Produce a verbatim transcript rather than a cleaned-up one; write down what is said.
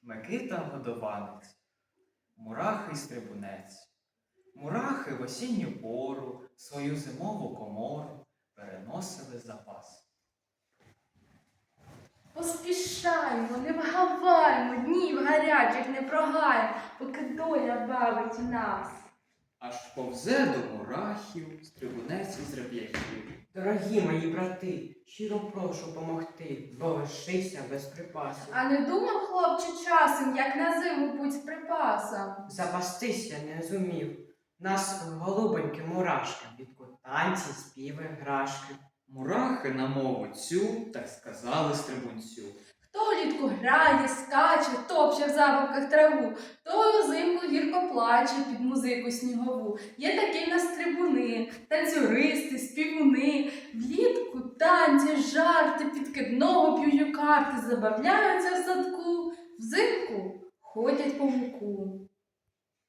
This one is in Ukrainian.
Микита годованець, мурахи й стрибунець. Мурахи в осінню пору свою зимову комору переносили запас. Поспішаймо, не вгаваймо, днів гарячих не прогаємо, поки доля бавить нас. Аж повзе до мурахів стрибунець із реп'яхів. Дорогі мої брати, щиро прошу помогти, бо лишився без припасів. А не думав, хлопче, часом, як на зиму путь з припасом? Запастися не зумів. Нас голубоньки мурашки, підку танці, співи, грашки. Мурахи на мову цю так сказали стрибунцю. Хто влітку грає, скаче, топче в забавках траву, той узимку гірко плаче під музику снігову. Є такі в нас трибуни, танцюристи, співуни. Влітку танці, жарти, під кидного п'ють карти, забавляються в садку, взимку ходять по муку.